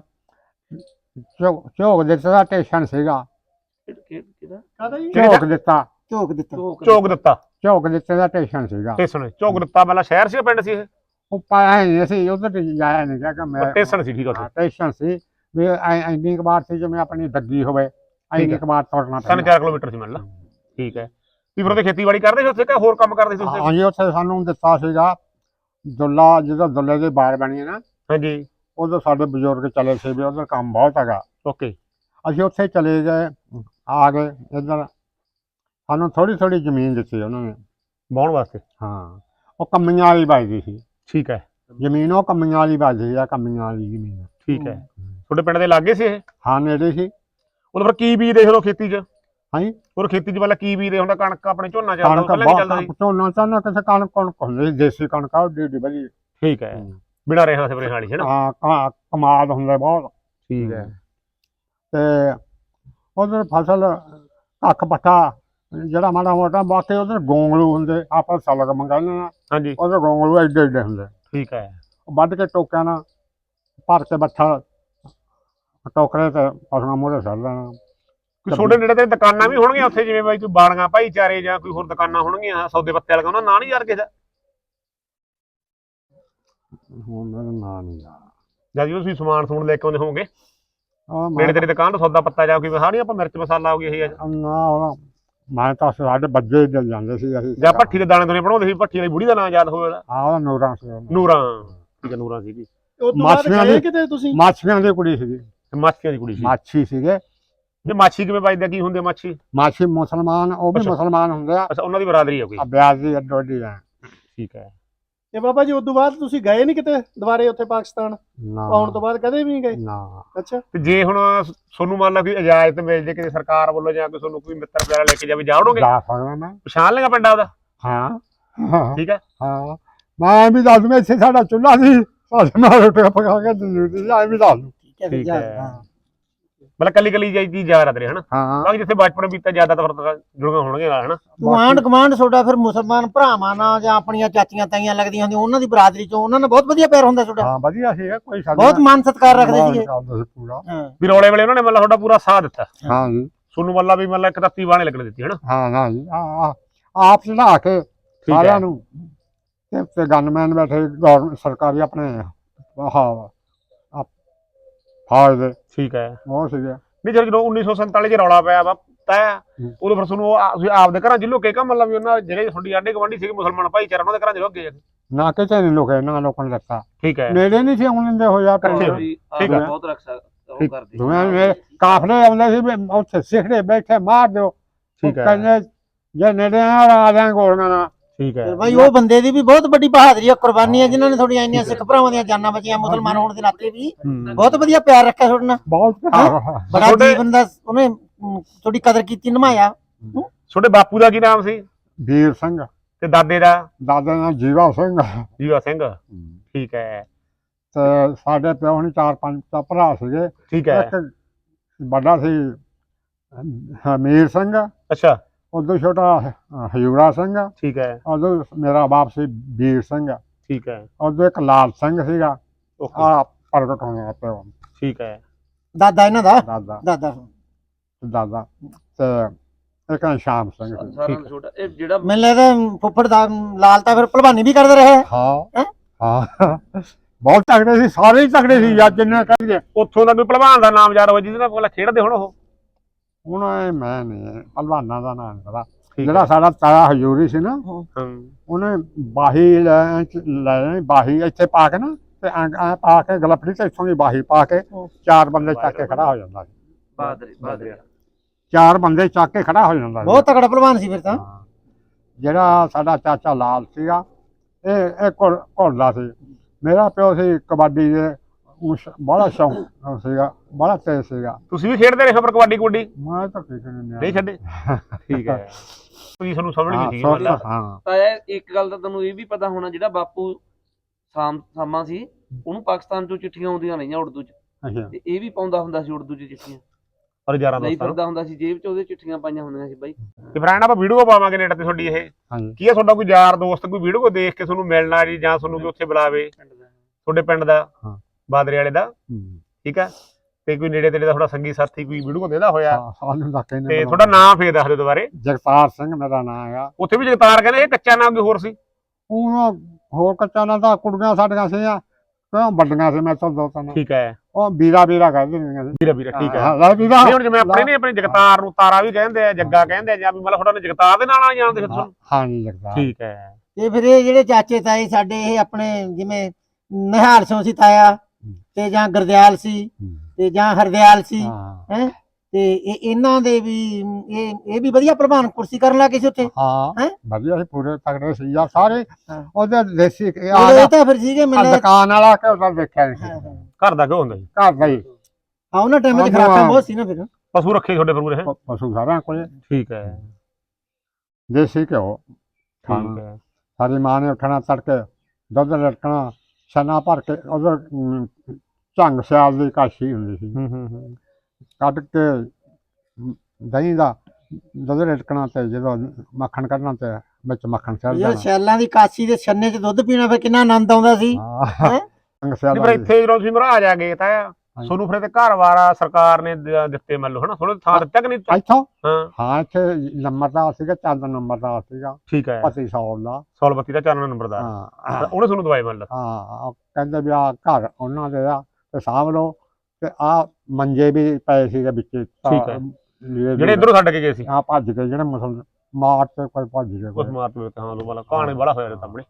S1: ਝੋਕ ਝੋਕ ਦਿੱਤਾ ਦਾ ਸਟੇਸ਼ਨ ਸੀਗਾ,
S5: ਕਿਹਦਾ?
S4: ਕਾਹਦਾ ਜੀ?
S1: ਝੋਕ ਦਿੱਤਾ
S3: ਝੋਕ ਦਿੱਤਾ।
S2: ਚੌਕ ਦਿੱਤਾ
S1: ਝੋਕ ਦਿੱਤੇ ਦਾ ਸਟੇਸ਼ਨ ਸੀਗਾ।
S2: ਸਟੇਸ਼ਨ ਚੌਕ ਦਿੱਤਾ ਪਹਿਲਾਂ ਸ਼ਹਿਰ ਸੀ ਪਿੰਡ ਸੀ ਇਹ?
S1: ਉਹ ਪਾਇਆ ਨਹੀਂ ਅਸੀਂ ਉਧਰ ਜਾਇਆ ਨਹੀਂ ਗਿਆ ਕਿ ਮੈਂ
S2: ਸਟੇਸ਼ਨ ਸੀ। ਠੀਕ ਆ।
S1: ਸਟੇਸ਼ਨ ਸੀ ਵੀ ਐ- ਇੰਨੀ ਕੁ ਵਾਰ ਸੀ ਜਿਵੇਂ ਆਪਣੀ ਡੱਗੀ ਹੋਵੇ, ਇੰਨੀ ਕੁ ਵਾਰ ਤੁਰਨਾ
S2: ਤਿੰਨ ਚਾਰ ਕਿਲੋਮੀਟਰ ਸੀ ਮੰਨ ਲਾ। ਠੀਕ ਹੈ। ਵੀ ਫਿਰ ਉਹਦੇ ਖੇਤੀਬਾੜੀ ਕਰਦੇ ਸੀ ਉੱਥੇ ਕਿ ਹੋਰ ਕੰਮ ਕਰਦੇ ਸੀ ਉੱਥੇ?
S1: ਹਾਂਜੀ ਉੱਥੇ ਸਾਨੂੰ ਦਿੱਤਾ ਸੀਗਾ ਦੁੱਲਾ, ਜਦੋਂ ਦੁੱਲੇ ਦੀ ਬਾਰ ਬਣੀ ਹੈ ਨਾ,
S2: ਹਾਂਜੀ।
S1: ਉਦੋਂ ਸਾਡੇ ਬਜ਼ੁਰਗ ਚਲੇ ਸੀ ਵੀ ਉਧਰ ਕੰਮ ਬਹੁਤ ਹੈਗਾ।
S2: ਓਕੇ।
S1: ਅਸੀਂ ਉੱਥੇ ਚਲੇ ਗਏ, ਆ ਗਏ ਇੱਧਰ, ਸਾਨੂੰ ਥੋੜੀ ਥੋੜੀ ਜ਼ਮੀਨ ਦਿੱਤੀ ਉਹਨਾਂ ਨੇ
S2: ਬਾਉਣ ਵਾਸਤੇ?
S1: ਹਾਂ। ਉਹ ਕੰਮੀਆਂ ਵਾਲੀ ਵੱਜਦੀ ਸੀ
S2: ਠੀਕ ਹੈ।
S1: ਜ਼ਮੀਨ, ਉਹ ਕੰਮੀਆਂ ਵਾਲੀ ਵੱਜਦੀ ਆ, ਕੰਮੀਆਂ ਵਾਲੀ ਜ਼ਮੀਨ।
S2: ਠੀਕ ਹੈ। ਤੁਹਾਡੇ ਪਿੰਡ ਦੇ ਲਾਗੇ ਸੀ ਇਹ?
S1: ਹਾਂ ਨੇੜੇ ਸੀ।
S2: ਉਦੋਂ ਫਿਰ ਕੀ ਬੀਜਦੇ ਉਦੋਂ ਖੇਤੀ 'ਚ?
S1: ਹਾਂਜੀ
S2: ਉਹ ਖੇਤੀ 'ਚ ਪਹਿਲਾਂ ਕੀ ਬੀਜਦੇ ਹੁੰਦਾ? ਕਣਕ ਆਪਣੇ ਝੋਨਾ ਚੱਲਦਾ
S1: ਕਣਕ
S2: ਪਹਿਲਾਂ ਕੀ ਚੱਲਦਾ ਸੀ?
S1: ਬਹੁਤ ਝੋਨਾ ਝਾਨਾ ਕਿਸੇ ਕਣਕ ਕਣਕ ਹੁੰਦੀ ਸੀ, ਦੇਸੀ ਕਣਕ ਆ ਡੀ ਡੀ ਵਧੀ।
S2: ਠੀਕ ਹੈ। ਬਿਨਾਂ ਰੇਹਾਂ ਸਪਰੇਹਾਂ ਵਾਲੀ ਹੈ ਨਾ?
S1: ਹਾਂ ਕ- ਕਮਾਦ ਹੁੰਦਾ ਬਹੁਤ।
S2: ਠੀਕ ਹੈ।
S1: ਤੇ ਉਧਰ ਫਸਲ ਕੱਖ ਪੱਠਾ ਜਿਹੜਾ ਮਾੜਾ ਮੋਟਾ, ਬਾਕੀ ਉਧਰ ਗੋਂਗਲੂ ਹੁੰਦੇ, ਆਪਾਂ ਸਲਗ ਮੰਗਾ ਲੈਣਾ,
S2: ਹਾਂਜੀ।
S1: ਉਧਰ ਗੋਂਗਲੂ ਐਡੇ ਐਡੇ ਹੁੰਦੇ,
S2: ਠੀਕ ਹੈ।
S1: ਉਹ ਵੱਢ ਕੇ ਟੋਕਿਆਂ ਨਾਲ ਭਰ ਕੇ ਬੱਠਾ ਟੋਕਰੇ ਤੇ ਪਸ਼ੂਆਂ ਮੂਹਰੇ ਛੱਡ ਦੇਣਾ।
S2: ਕੋਈ ਤੁਹਾਡੇ ਨੇੜੇ ਤੇ ਦੁਕਾਨਾਂ ਵੀ ਹੋਣਗੀਆਂ ਉੱਥੇ, ਜਿਵੇਂ ਬਾਈ ਕੋਈ ਬਾਣੀਆਂ ਭਾਈਚਾਰੇ ਜਾਂ ਕੋਈ ਹੋਰ ਦੁਕਾਨਾਂ ਹੋਣਗੀਆਂ ਸੌਦੇ ਪੱਤੇ ਵਾਲੀਆਂ, ਉਹਨਾਂ ਨਾਂ ਨਹੀਂ ਯਾਰ ਕਿਸੇ ਦਾ?
S1: ਹੁਣ ਮੇਰਾ ਨਾਂ ਨਹੀਂ ਯਾਦ।
S2: ਜਦ ਜਦੋਂ ਤੁਸੀਂ ਸਮਾਨ ਸਮੂਨ ਲੈ ਕੇ ਆਉਂਦੇ ਹੋਵੋਗੇ
S1: ਉਹ
S2: ਨੇੜੇ
S1: ਮੈਂ
S2: ਤੇਰੀ ਦੁਕਾਨ ਤੋਂ ਸੌਦਾ ਪੱਤਾ ਜਾਂ ਕੋਈ ਸਾਰੀਆਂ ਆਪਾਂ ਮਿਰਚ ਮਸਾਲਾ ਹੋ ਗਿਆ ਇਹ
S1: ਨਾ ਹੁਣ ਮੈਂ ਤਾਂ ਸਾਡੇ ਬੱਜੇ ਦੇ ਜਾਂਦੇ ਸੀ ਅਸੀਂ।
S2: ਜਾਂ ਭੱਠੀ ਦੇ ਦਾਣੇ ਦੋਨੇ ਬਣਾਉਂਦੇ ਸੀ? ਭੱਠੀ ਵਾਲੀ ਬੁੜੀ ਦਾ ਨਾਂ ਯਾਦ ਹੋਵੇ ਉਹਦਾ?
S1: ਆਹ ਉਹਦਾ ਨੂਰਾਂ ਸੀ।
S2: ਨੂਰਾਂ। ਠੀਕ ਹੈ, ਨੂਰਾਂ ਸੀਗੀ।
S4: ਉਹ ਤੋਂ ਬਾਅਦ
S1: ਮਾਛੀਆਂ
S4: ਗਏ
S1: ਦੀ-
S4: ਕਿਤੇ ਤੁਸੀਂ?
S1: ਮਾਛੀਆਂ ਦੀ ਕੁੜੀ ਸੀਗੀ,
S2: ਤੇ ਮਾਛੀਆਂ ਦੀ ਕੁੜੀ ਸੀ।
S1: ਮਾਛੀ ਸੀਗੇ।
S2: ਜੇ ਮਾਛੀ ਕਿਵੇਂ ਵੱਜਦਾ, ਕੀ ਹੁੰਦੇ ਮਾਛੀ?
S1: ਮਾਛੀ ਮੁਸਲਮਾਨ, ਉਹ ਵੀ
S2: ਅੱਛਾ।
S1: ਮੁਸਲਮਾਨ ਹੁੰਦੇ ਆ,
S2: ਅੱਛਾ, ਉਹਨਾਂ ਦੀ ਬਰਾਦਰੀ ਹੋ ਗਈ।
S1: ਅਭਿਆਸ ਦੀ ਅੱਡੋ ਅੱਡੀ ਆ।
S2: ਠੀਕ ਹੈ।
S4: ਤੇ ਬਾਬਾ ਜੀ ਉਸ ਤੋਂ ਬਾਅਦ ਤੁਸੀਂ ਗਏ ਨਹੀਂ ਕਿਤੇ ਦੁਬਾਰੇ ਉੱਥੇ ਪਾਕਿਸਤਾਨ
S1: ਨਾ
S4: ਆਉਣ ਤੋਂ ਬਾਅਦ? ਕਦੇ ਵੀ ਨਹੀਂ ਗਏ?
S1: ਨਾ
S4: ਅੱਛਾ।
S2: ਤੇ ਜੇ ਹੁਣ ਤੁਹਾਨੂੰ ਮੰਨ ਲਾ ਕੋਈ ਇਜਾਜ਼ਤ ਮਿਲ ਜੇ ਕਿਸੇ ਸਰਕਾਰ ਵੱਲੋਂ ਜਾਂ ਕੋਈ ਤੁਹਾਨੂੰ ਕੋਈ ਮਿੱਤਰ ਵਗੈਰਾ ਲੈ ਕੇ ਜਾਵੇ, ਜਾਓਗੇ?
S1: ਜਾ ਸਕਦਾ ਮੈਂ।
S2: ਪਛਾਣ ਲੇਗਾ ਪਿੰਡ ਆਪਦਾ?
S1: ਹਾਂ ਹਾਂ
S2: ਠੀਕ ਹੈ।
S1: ਹਾਂ ਮੈਂ ਵੀ ਦੱਸ ਦੂੰ, ਇੱਥੇ ਸਾਡਾ ਚੁੱਲ੍ਹਾ ਸੀ, ਸਾਡੇ ਨਾਲ ਰੋਟੀ ਪਕਾ ਕੇ ਦਿੰਦੀ ਸੀ, ਐਂ ਵੀ ਦੱਸ ਦੂੰ।
S3: ਠੀਕ ਹੈ
S2: ਠੀਕ
S3: ਵੀਰ
S2: ਹੈ।
S3: ਹਾਂ।
S2: ਮਤਲਬ ਕੱਲੀ ਕੱਲੀ ਜਾਈ ਚੀਜ਼ ਯਾਦ ਆ ਤੇਰੇ ਹਨਾ?
S1: ਹਾਂ
S2: ਬਾਕੀ ਜਿੱਥੇ ਬਚਪਨ ਬੀਤਾ ਜ਼ਿਆਦਾ ਤਾਂ ਫਿਰ ਜੁੜੀਆਂ ਹੋਣਗੀਆਂ ਨਾਲ ਹਨਾ?
S3: ਤੂੰ ਆਂਢ ਗੁਆਂਢ ਤੁਹਾਡਾ ਫਿਰ ਮੁਸਲਮਾਨ ਭਰਾਵਾਂ ਨਾਲ ਜਾਂ ਆਪਣੀਆਂ ਚਾਚੀਆਂ ਤਾਈਆਂ ਲੱਗਦੀਆਂ ਹੁੰਦੀਆਂ, ਉਹਨਾਂ ਦੀ ਬਰਾਦਰੀ ਚੋਂ ਉਹਨਾਂ ਨਾਲ ਬਹੁਤ ਵਧੀਆ ਪਿਆਰ ਹੁੰਦਾ ਤੁਹਾਡਾ?
S1: ਹਾਂ ਵਧੀਆ ਸੀ, ਕੋਈ ਸਾਡਾ
S3: ਬਹੁਤ ਮਾਨ ਸਤਿਕਾਰ ਰੱਖਦੇ
S1: ਬਹੁਤ
S3: ਸੀਗੇ।
S1: ਚੱਲਦਾ ਸੀ ਪੂਰਾ।
S3: ਹਾਂ।
S2: ਵੀ ਰੌਲੇ ਵੇਲੇ ਉਹਨਾਂ ਨੇ ਮਤਲਬ ਤੁਹਾਡਾ ਪੂਰਾ ਸਾਥ ਦਿੱਤਾ
S1: ਹਾਂ ਜੀ
S2: ਤੁਹਾਨੂੰ, ਮਤਲਬ ਵੀ ਮਤਲਬ ਇੱਕ ਤੱਤੀ ਬਾਣੇ ਲੱਗਣ ਦਿੱਤੀ ਹਨਾ?
S1: ਹਾਂ ਹਾਂ ਜੀ ਆ- ਆ- ਆਪ ਚੜਾ ਕੇ
S2: ਠੀਕ
S1: ਸਾਰਿਆਂ
S2: ਹੈ।
S1: ਨੂੰ, ਤੇ ਤੇ ਗਨਮੈਨ ਬੈਠੇ ਗੌਰਮੈਂਟ ਸਰਕਾਰੀ ਆਪਣੇ ਆਹ ਫੌਜ ਦੇ
S2: ਠੀਕ ਹੈ।
S1: ਉਹ ਸੀਗੇ।
S2: ਨਹੀਂ ਜਦੋਂ ਉੱਨੀ ਸੌ ਸੰਤਾਲੀ ਚ ਰੌਲਾ ਪਿਆ ਵਾ ਤਾਂ
S1: ਹੂੰ।
S2: ਉਦੋਂ ਫਿਰ ਤੁਹਾਨੂੰ ਉਹ ਆ- ਤੁਸੀਂ ਆਪਦੇ ਘਰਾਂ ਚ ਲੁਕੇ ਕਾ, ਮਤਲਬ ਵੀ ਉਹਨਾਂ ਜਿਹੜੇ ਤੁਹਾਡੀ ਆਂਢੀ ਗੁਆਂਢੀ ਸੀਗੇ ਮੁਸਲਮਾਨ ਭਾਈਚਾਰਾ, ਉਹਨਾਂ ਦੇ ਘਰਾਂ ਚ ਲੁਕੇ?
S1: ਨਾ ਕਿਤੇ ਨਹੀਂ ਲੋਕੇ ਨਾ ਲੋਕਾਂ ਨੇ ਦੱਸਾ,
S2: ਠੀਕ ਹੈ।
S1: ਨੇੜੇ ਨਹੀਂ ਸੀ ਆਉਣ ਦਿੰਦੇ ਹੋਇਆ
S2: ਇਕੱਠੇ ਹੋਏ।
S5: ਵੀ
S2: ਠੀਕ
S5: ਆਪ
S2: ਹੈ।
S5: ਬਹੁਤ ਰੱਖ ਸਕਦਾ ਉਹ
S2: ਠੀਕ।
S5: ਕਰਦੇ
S1: ਦੁਨੀਆ ਦੇ ਕਾਫਲੇ ਆਉਂਦੇ ਸੀ ਵੀ ਉੱਥੇ ਸਿਖੜੇ ਬੈਠੇ ਮਾਰ ਦਿਓ,
S2: ਠੀਕ ਹੈ।
S1: ਕਹਿੰਦੇ ਜੇ ਨੇੜੇ ਆ ਜਾਏ ਗੋਲੀਆਂ ਨਾਲ।
S2: ਠੀਕ ਹੈ।
S3: ਫਿਰ ਬਾਈ ਉਹ ਬੰਦੇ ਦੀ ਵੀ ਬਹੁਤ ਵੱਡੀ ਬਹਾਦਰੀ ਆ, ਕੁਰਬਾਨੀ ਆ, ਜਿਨ੍ਹਾਂ ਨੇ ਤੁਹਾਡੀਆਂ ਇੰਨੀਆਂ ਸਿੱਖ ਭਰਾਵਾਂ ਦੀਆਂ ਜਾਨਾਂ ਬਚੀਆਂ, ਮੁਸਲਮਾਨ ਹੋਣ ਦੇ ਨਾਤੇ ਵੀ
S2: ਹੂੰ।
S3: ਬਹੁਤ ਵਧੀਆ ਪਿਆਰ ਰੱਖਿਆ ਤੁਹਾਡੇ ਨਾਲ,
S1: ਬਹੁਤ
S3: ਬੜਾ
S2: ਤੁਹਾਡੇ-
S3: ਜੀਵਨ ਦਾ ਉਹਨੇ ਅਮ, ਤੁਹਾਡੀ ਕਦਰ ਕੀਤੀ, ਨਿਭਾਇਆ।
S2: ਤੁਹਾਡੇ ਬਾਪੂ ਦਾ ਕੀ ਨਾਮ ਸੀ
S1: ਵੀਰ ਸਿੰਘ,
S2: ਤੇ ਦਾਦੇ ਦਾ?
S1: ਦਾਦਾ ਨਾਲ ਜੀਵਾ ਸਿੰਘ,
S2: ਜੀਵਾ ਸਿੰਘ। ਠੀਕ ਹੈ।
S1: ਤੇ ਸਾਡੇ ਪਿਓ ਨੇ ਚਾਰ ਪੰਜ ਤਾਂ ਭਰਾ ਸੀਗੇ।
S2: ਠੀਕ ਹੈ।
S1: ਇੱਕ ਵੱਡਾ ਸੀ ਹਮੀਰ ਸਿੰਘ,
S2: ਅੱਛਾ।
S1: ਉਦੋਂ ਛੋਟਾ ਹ- ਹਜੂਰਾ ਸਿੰਘ,
S2: ਠੀਕ ਹੈ।
S1: ਉਦੋਂ ਮੇਰਾ ਬਾਪ ਸੀ ਵੀਰ ਸਿੰਘ,
S2: ਠੀਕ ਹੈ।
S1: ਉਦੋਂ ਇੱਕ ਲਾਲ ਸਿੰਘ ਸੀਗਾ।
S2: ਓਕੇ।
S1: ਆ ਪ੍ਰਗਟ ਹੋਣਾ ਪਿਓ
S2: ਠੀਕ ਹੈ।
S3: ਦਾਦਾ ਇਹਨਾਂ ਦਾ
S1: ਦਾਦਾ
S3: ਦਾਦਾ
S1: ਦਾਦਾ ਤੇ ਇੱਕ ਸ਼ਾਮ ਸਿੰਘ ਸੀ।
S5: ਸਾਰਾ ਛੋਟਾ ਇਹ ਜਿਹੜਾ
S3: ਮੈਨੂੰ ਲੱਗਦਾ ਫੁੱਫੜ ਦਾ ਲਾਲ ਤਾਂ ਫਿਰ ਭਲਵਾਨੀ ਵੀ ਕਰਦੇ ਰਹੇ।
S1: ਹਾਂ
S3: ਹੈਂ?
S1: ਹਾਂ ਬਹੁਤ ਤਕੜੇ ਸੀ, ਸਾਰੇ ਹੀ ਤਕੜੇ ਸੀ ਯਾਰ ਜਿੰਨੇ ਕਹਿੰਦੇ।
S2: ਉੱਥੋਂ ਦਾ ਕੋਈ ਭਲਵਾਨ ਦਾ ਨਾਮ ਯਾਦ ਹੋਵੇ ਜਿਹਦੇ ਨਾਲ ਪਹਿਲਾਂ ਖੇਡਦੇ ਹੁਣ ਉਹ?
S1: ਹੁਣ ਇਹ ਮੈਂ ਨਹੀਂ ਪਹਿਲਵਾਨਾਂ ਦਾ ਨਾਮ ਨਹੀਂ ਪਤਾ।
S2: ਠੀਕ
S1: ਜਿਹੜਾ
S2: ਹੈ।
S1: ਸਾਡਾ ਤਾਇਆ ਹਜ਼ੂਰੀ ਸੀ ਨਾ,
S2: ਹੂੰ
S1: ਉਹਨੇ ਬਾਹੀ ਲੈ ਚ- ਲੈ ਲੈਣੀ, ਬਾਹੀ ਇੱਥੇ ਪਾ ਕੇ ਨਾ ਤੇ ਐਂ ਐਂ ਪਾ ਕੇ ਗਲਫੜੀ ਤੇ ਇੱਥੋਂ ਦੀ ਬਾਹੀ ਪਾ ਕੇ ਚਾਰ ਬੰਦੇ ਚੱਕ ਕੇ ਖੜਾ ਹੋ ਜਾਂਦਾ ਸੀ।
S5: ਬਾਦਰੀ ਬਾਦਰੀ
S1: ਚਾਰ ਬੰਦੇ ਚੱਕ ਕੇ ਖੜਾ ਹੋ ਜਾਂਦਾ ਸੀ।
S3: ਬਹੁਤ ਤਕੜਾ ਪਹਿਲਵਾਨ ਸੀ ਫਿਰ ਤਾਂ।
S1: ਹਾਂ। ਜਿਹੜਾ ਸਾਡਾ ਚਾਚਾ ਲਾਲ ਸੀਗਾ, ਇਹ ਇਹ ਘੁਲ ਘੁਲਦਾ ਸੀ। ਮੇਰਾ ਪਿਓ ਸੀ ਕਬੱਡੀ ਦੇ ਬੜਾ ਸ਼ੌਂਕ ਸੀਗਾ, ਬੜਾ ਤੇਜ਼ ਸੀਗਾ।
S2: ਤੁਸੀਂ ਵੀ ਖੇਡਦੇ ਰਹੇ ਹੋ ਪਰ ਕਬੱਡੀ ਕਬੱਡੀ?
S1: ਮੈਂ ਤਾਂ ਕਿਸੇ ਨੇ
S2: ਨਹੀਂ ਛੱਡੇ। ਠੀਕ ਹੈ। ਤੁਸੀਂ ਸਾਨੂੰ ਸਮਝ ਨਹੀਂ ਸੀ
S1: ਹਾਂ
S2: ਮਤਲਬ।
S1: ਹਾਂ
S5: ਤਾਂ ਇਹ ਇੱਕ ਗੱਲ ਤਾਂ ਤੁਹਾਨੂੰ ਇਹ ਵੀ ਪਤਾ ਹੋਣਾ, ਜਿਹੜਾ ਬਾਪੂ ਸਾਮ ਸਾਮਾ ਸੀ ਉਹਨੂੰ ਪਾਕਿਸਤਾਨ ਚੋਂ ਚਿੱਠੀਆਂ ਆਉਂਦੀਆਂ ਰਹੀਆਂ ਉਰਦੂ ਚ,
S1: ਅੱਛਾ
S5: ਤੇ ਇਹ ਵੀ ਪਾਉਂਦਾ ਹੁੰਦਾ ਸੀ ਉਰਦੂ ਚ ਚਿੱਠੀਆਂ,
S2: ਪਰ ਯਾਰਾਂ
S5: ਨਹੀਂ
S2: ਦੋਸਤਾਂ ਨੂੰ
S5: ਫਿਰਦਾ ਹੁੰਦਾ ਸੀ ਜੇਬ ਚ, ਉਹਦੇ ਚਿੱਠੀਆਂ ਪਾਈਆਂ ਹੁੰਦੀਆਂ ਸੀ ਬਾਈ।
S2: ਤੇ ਫਰੈਂਡ ਆਪਾਂ ਵੀਡੀਓ ਪਾਵਾਂਗੇ ਨੈਟ ਤੇ ਤੁਹਾਡੀ। ਇਹ
S1: ਹਾਂਜੀ
S2: ਕੀ ਹੈ, ਤੁਹਾਡਾ ਕੋਈ ਯਾਰ ਦੋਸਤ ਕੋਈ ਵੀਡੀਓ ਦੇਖ ਕੇ ਤੁਹਾਨੂੰ ਮਿਲਣਾ ਜੀ, ਜਾਂ ਤੁਹਾਨੂੰ ਕੋਈ ਉੱਥੇ ਬੁਲਾਵੇ ਤੁਹਾਡੇ ਪਿੰਡ ਦਾ,
S1: ਹਾਂ।
S2: ਬਾਦਰੇ ਵਾਲੇ ਦਾ,
S1: ਹੂੰ।
S2: ਠੀਕ ਹੈ, ਤੇ ਕੋਈ ਨੇੜੇ ਤੇੜੇ ਦਾ ਤੁਹਾਡਾ ਸੰਗੀ ਸਾਥੀ ਕੋਈ ਵੀਡੀਓ ਦੇਦਾ ਹੋਇਆ,
S1: ਹਾਂ, ਸਾਨੂੰ ਤਾਂ ਕਹਿੰਦੇ
S2: ਤੇ
S1: ਮੈਨੂੰ-
S2: ਤੁਹਾਡਾ ਨਾਮ ਫੇਰ ਦੱਸ ਦਿਓ ਦੁਬਾਰੇ।
S1: ਜਗਤਾਰ ਸਿੰਘ ਮੇਰਾ ਨਾਮ ਹੈਗਾ।
S2: ਉੱਥੇ ਵੀ ਜਗਤਾਰ ਕਹਿੰਦੇ, ਇਹ ਕੱਚਾ ਨਾਮ ਕੋਈ ਹੋਰ ਸੀ?
S1: ਉਹ ਹੋਰ ਕੱਚਾ ਨਾਲ ਤਾਂ ਕੁੜੀਆਂ ਸਾਡੀਆਂ ਸੀਗੀਆਂ, ਕਿਉਂ ਵੱਡੀਆਂ ਸੀ ਮੈਂ ਤੋਂ ਦੋ ਤਿੰਨ,
S2: ਠੀਕ ਹੈ,
S1: ਉਹ ਵੀਰਾ ਵੀਰਾ ਕਹਿੰਦੇ ਹੁੰਦੀਆਂ ਸੀ।
S2: ਵੀਰਾ ਵੀਰਾ, ਠੀਕ ਹੈ।
S1: ਹਾਂ, ਲੈ ਵੀਰਾ।
S2: ਨਹੀਂ ਹੁਣ ਜਿਵੇਂ ਆਪਣੇ ਨਹੀਂ, ਆਪਣੀ ਜਗਤਾਰ ਨੂੰ ਤਾਰਾ ਵੀ ਕਹਿੰਦੇ ਆ, ਜੱਗਾ ਕਹਿੰਦੇ ਆ, ਜਾਂ ਵੀ ਮਤਲਬ ਤੁਹਾਡਾ ਜਗਤਾਰ ਦੇ ਨਾਲ ਆ ਜਾਂਦੇ ਫਿਰ ਤੁਹਾਨੂੰ?
S1: ਹਾਂ ਜੀ ਜਗਤਾਰ।
S2: ਠੀਕ ਹੈ।
S3: ਤੇ ਫਿਰ ਇਹ ਜਿਹੜੇ ਚਾਚੇ ਤਾਏ ਸਾਡੇ, ਇਹ ਆਪਣੇ ਜਿਵੇਂ ਨਿਹਾਲ ਸਿੰਘ ਸੀ ਤਾਇਆ, ਤੇ ਜਾਂ ਗੁਰਦਿਆਲ ਸੀ,
S1: ਹੂੰ।
S3: ਤੇ ਜਾਂ ਹਰਦਿਆਲ ਸੀ,
S1: ਹਾਂ
S3: ਹੈ ਤੇ ਇਹ ਇਹਨਾਂ ਦੇ ਵੀ ਇਹ ਇਹ ਵੀ ਵਧੀਆ ਪ੍ਰਧਾਨ ਕੁਰਸੀ ਕਰਨ ਲੱਗੇ ਸੀ ਉੱਥੇ।
S1: ਹਾਂ
S3: ਹੈਂ?
S1: ਵਧੀਆ ਸੀ, ਪੂਰੇ ਤਗੜੇ ਸੀ ਯਾਰ ਸਾਰੇ।
S3: ਹਾਂ।
S1: ਉਹਦੇ ਦੇਸੀ
S3: ਉਦੋਂ ਇਹ ਤਾਂ ਫਿਰ ਸੀਗੇ ਮੈਨੂੰ ਲੱਗਦਾ-
S1: ਦੁਕਾਨ ਵਾਲਾ ਕਿ ਉਹਦਾ ਦੇਖਿਆ ਨਹੀਂ
S3: ਹਾਂ,
S1: ਸੀ।
S3: ਹਾਂ।
S2: ਘਰ ਦਾ ਕਿਉਂ ਹੁੰਦਾ ਜੀ?
S1: ਘਰ ਦਾ ਹੀ
S3: ਹਾਂ ਉਹਨਾਂ ਟਾਈਮਾਂ 'ਚ
S1: ਉਹਨੂੰ
S3: ਖਰਾਕਾਂ
S1: ਆ-
S3: ਬਹੁਤ ਸੀ ਨਾ ਫਿਰ।
S2: ਪਸ਼ੂ ਰੱਖੇ ਤੁਹਾਡੇ ਪੂਰੇ ਹੈ?
S1: ਪ- ਪਸ਼ੂ ਸਾਰਿਆਂ ਕੋਲੇ
S2: ਠੀਕ ਹੈ,
S1: ਦੇਸੀ ਘਿਓ
S2: ਠੀਕ
S1: ਖਾਣਾ।
S2: ਹੈ।
S1: ਸਾਡੀ ਮਾਂ ਨੇ ਉੱਠਣਾ ਤੜਕੇ, ਦੁੱਧ ਲਟਕਣਾ, ਛੰਨਾ ਭਰ ਕੇ ਉਧਰ ਝੰਗ ਸਿਆਲ ਦੀ ਕਾਸ਼ੀ ਹੁੰਦੀ ਸੀ,
S2: ਹੂੰ ਹੂੰ ਹੂੰ
S1: ਕੱਢ ਕੇ ਅਮ, ਦਹੀਂ ਦਾ ਦੁੱਧ ਲਟਕਣਾ, ਤੇ ਜਦੋਂ ਮੱਖਣ ਕੱਢਣਾ ਤੇ ਵਿੱਚ ਮੱਖਣ ਸਿਆਲ
S3: ਜਦੋਂ
S1: ਜਾਣਾ।
S3: ਸ਼ੈਲਾਂ ਦੀ ਕਾਸੀ ਦੇ ਛੰਨੇ 'ਚ ਦੁੱਧ ਪੀਣਾ ਫਿਰ ਕਿੰਨਾ ਆਨੰਦ ਆਉਂਦਾ ਸੀ।
S1: ਹਾਂ
S3: ਹੈਂ?
S1: ਝੰਗ ਸਿਆਲ
S2: ਨਹੀਂ ਪਰ ਇੱਥੇ ਜਦੋਂ ਤੁਸੀਂ ਮਹਾਰਾਜ ਆ ਗਏ ਤਾਂ
S1: ਹਾਂਜੀ।
S2: ਤੁਹਾਨੂੰ ਫਿਰ ਤੇ ਘਰ ਵਾਰਾ ਸਰਕਾਰ ਨੇ ਦ- ਦਿੱਤੇ ਮੰਨ ਲਓ ਹਨਾ, ਥੋੜੇ ਥਾਂ ਦਿੱਤਾ ਕਿ ਨਹੀਂ?
S1: ਇੱਥੋਂ
S2: ਹਾਂ
S1: ਹਾਂ ਇੱਥੇ ਨੰਬਰਦਾਰ ਸੀਗਾ, ਚੰਦ ਨੰਬਰਦਾਰ ਸੀਗਾ,
S2: ਠੀਕ ਹੈ।
S1: ਪਤੀ ਸੌਲ ਦਾ।
S2: ਸੌਲਬੱਤੀ ਦਾ ਚਾਨਣ ਨੰਬਰਦਾਰ,
S1: ਹਾਂ
S2: ਉਹਨੇ ਤੁਹਾਨੂੰ ਦਵਾਈ ਮੰਨ ਲਾ।
S1: ਹਾਂ ਉਹ ਕਹਿੰਦੇ ਵੀ ਆ ਘਰ ਉਹਨਾਂ ਦੇ ਆ ਤੇ ਸਾਂਭ ਲਓ, ਤੇ ਆ ਮੰਜੇ ਵੀ ਪਏ ਸੀਗੇ ਵਿੱਚ।
S2: ਠੀਕ ਹੈ।
S1: ਜਿਹੜੇ
S2: ਜਿਹੜੇ ਇਧਰੋਂ ਛੱਡ ਕੇ ਗਏ ਸੀ
S1: ਆ ਭੱਜ ਗਏ, ਜਿਹੜੇ ਮੁਸਲ ਮਾਰ ਤੇ ਕੋਈ ਭੱਜ ਗਏ
S2: ਉਸ
S1: ਕੋਈ।
S2: ਮਾਰਤ ਵਿੱਚ, ਹਾਂ ਲੋ ਵਾਲਾ ਕਹਾਣੀ ਬੜਾ ਹੋਇਆ ਸਾਹਮਣੇ।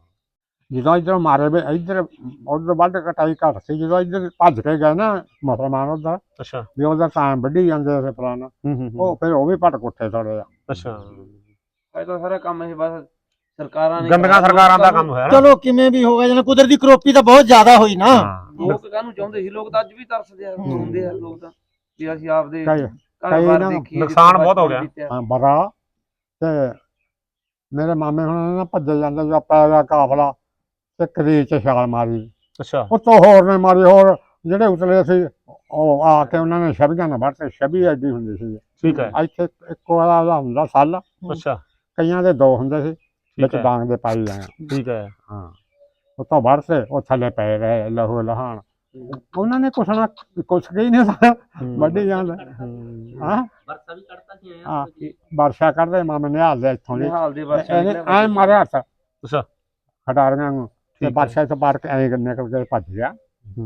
S1: ਜਦੋਂ ਇੱਧਰ ਮਾਰੇ ਵੀ ਇੱਧਰ ਉਧਰ ਵੱਢ ਕਟਾਈ ਘੱਟ ਸੀ, ਜਦੋਂ ਇੱਧਰ ਭੱਜ ਕੇ ਗਏ ਨਾ ਮੁਸਲਮਾਨ ਉਧਰ,
S2: ਅੱਛਾ।
S1: ਵੀ ਉਹਦਾ ਤਾਂ ਵੱਢੀ ਜਾਂਦੇ ਸੀ ਪੁਰਾਣਾ,
S2: ਹੂੰ ਹੂੰ
S1: ਉਹ ਫਿਰ ਉਹ ਵੀ ਭੱਟ ਕੁੱਟੇ ਥੋੜੇ ਆ।
S2: ਅੱਛਾ।
S5: ਇਹ ਤਾਂ ਸਾਰਾ ਕੰਮ ਇਹ ਬਸ ਸਰਕਾਰਾਂ ਨੇ
S2: ਗੰਦੀਆਂ ਸਰਕਾਰਾਂ ਦਾ ਕੰਮ ਹੋਇਆ ਨਾ।
S3: ਚਲੋ ਕਿਵੇਂ ਵੀ ਹੋ ਗਿਆ, ਜਨਾ ਕੁਦਰਤੀ ਕਰੋਪੀ ਤਾਂ ਬਹੁਤ ਜ਼ਿਆਦਾ ਹੋਈ ਨਾ।
S5: ਲੋਕ ਕਾਹਨੂੰ ਚਾਹੁੰਦੇ ਸੀ, ਲੋਕ ਤਾਂ ਅੱਜ ਵੀ ਤਰਸਦੇ ਆ, ਹੁੰਦੇ ਆ ਲੋਕ ਤਾਂ ਵੀ ਅਸੀਂ ਆਪਦੇ
S1: ਕਈ
S5: ਘਰ
S1: ਕਈ
S5: ਬਾਰ
S1: ਨਾ
S5: ਦੇਖੀਏ,
S2: ਨੁਕਸਾਨ
S5: ਜਿੱਥੇ
S2: ਬਹੁਤ ਹੋ
S5: ਬਚਪਨ
S2: ਗਿਆ।
S5: ਬੀਤਿਆ।
S1: ਹਾਂ ਬੜਾ। ਤੇ ਮੇਰੇ ਮਾਮੇ ਹੁਣ ਨਾ ਭੱਜੇ ਜਾਂਦੇ, ਜੋ ਪੈ ਗਿਆ ਕਾਫਲਾ ਤੇ ਕਰੀਰ ਚ ਛਾਲ ਮਾਰੀ,
S2: ਅੱਛਾ।
S1: ਉੱਤੋਂ ਹੋਰ ਨੇ ਮਾਰੀ, ਹੋਰ ਜਿਹੜੇ ਉਤਲੇ ਸੀ ਉਹ ਆ ਕੇ ਉਹਨਾਂ ਨੇ ਛਬੀਆਂ ਨਾਲ ਵੱਢ ਤੇ, ਛਬੀ ਐਡੀ ਹੁੰਦੀ ਸੀ
S2: ਠੀਕ ਹੈ।
S1: ਇੱਥੇ ਇੱਕੋ ਵਾਲਾ ਹੁੰਦਾ ਸੱਲ,
S2: ਅੱਛਾ।
S1: ਕਈਆਂ ਦੇ ਦੋ ਹੁੰਦੇ ਸੀ,
S2: ਠੀਕ
S1: ਵਿੱਚ
S2: ਹੈ।
S1: ਡਾਂਗ ਦੇ ਪਾਈ ਜਾਣਾ।
S2: ਠੀਕ ਹੈ।
S1: ਹਾਂ ਉੱਤੋਂ ਵੱਢ ਤੇ ਉਹ ਥੱਲੇ ਪਏ ਰਹੇ ਲਹੂ ਲਹਾਣ, ਉਹਨਾਂ ਨੇ ਕੁਛ ਨਾ ਕੁਛ ਹੀ ਨਹੀਂ ਸਾਰਾ ਵੱਢੀ ਜਾਂਦਾ। ਹਾਂ
S5: ਵਰਸਾ ਵੀ ਕੱਢਤਾ ਸੀ ਆਇਆ
S1: ਹਾਂ ਵਰਸ਼ਾ ਕਰਦੇ ਮਾਮੇ ਨਿਹਾਲ ਦੇ ਇੱਥੋਂ ਦੀ,
S5: ਨਿਹਾਲ ਦੇ ਵਰਸਾ
S1: ਇਹਨੇ ਐ ਮਾਰਿਆ ਹੱਥ
S2: ਅੱਛਾ।
S1: ਖਟਾਰੀਆਂ ਨੂੰ, ਤੇ
S2: ਠੀਕ ਹੈ।
S1: ਵਰਸ਼ਾ ਤੋਂ ਪਾਰ ਕੇ ਐਂ ਨਿਕਲ ਕੇ ਭੱਜ ਗਿਆ।